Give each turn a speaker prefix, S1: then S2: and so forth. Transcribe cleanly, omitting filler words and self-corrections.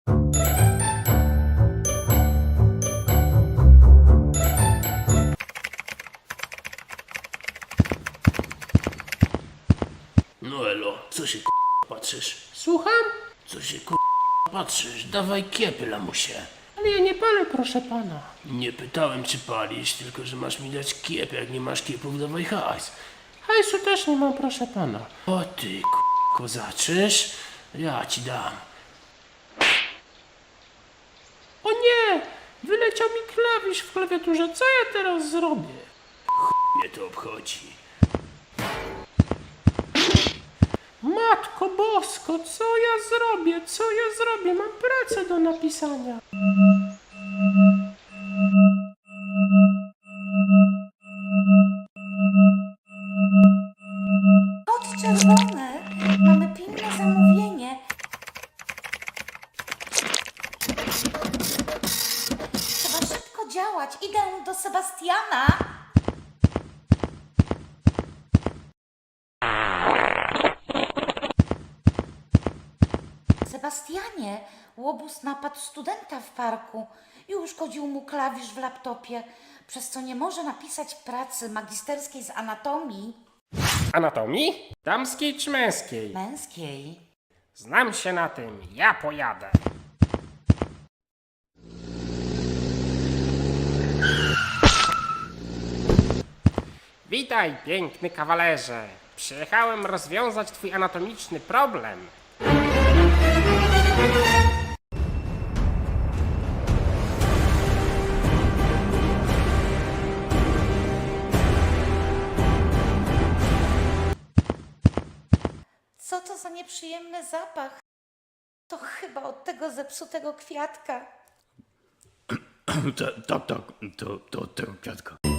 S1: No elo, co się patrzysz?
S2: Słucham?
S1: Co się patrzysz? Dawaj kiepy, lamusie.
S2: Ale ja nie palę, proszę pana.
S1: Nie pytałem, czy palisz, tylko że masz mi dać kiep. Jak nie masz kiepów, dawaj hajs.
S2: Hajsu też nie mam, proszę pana.
S1: O ty kozaczysz? Ja ci dam.
S2: O nie! Wyleciał mi klawisz w klawiaturze. Co ja teraz zrobię?
S1: Mnie to obchodzi.
S2: Matko Bosko, co ja zrobię? Co ja zrobię? Mam pracę do napisania.
S3: Kod czerwony. Mamy pilne zamówienie. Trzeba szybko działać. Idę do Sebastiana. Sebastianie, łobuz napadł studenta w parku i uszkodził mu klawisz w laptopie, przez co nie może napisać pracy magisterskiej z anatomii
S4: Anatomii? Damskiej czy męskiej?
S3: męskiej.
S4: Znam się na tym, ja pojadę. Witaj, piękny kawalerze. Przyjechałem rozwiązać twój anatomiczny problem.
S3: Co to za nieprzyjemny zapach? To chyba od tego zepsutego kwiatka.
S1: Tak, to od tego kwiatka.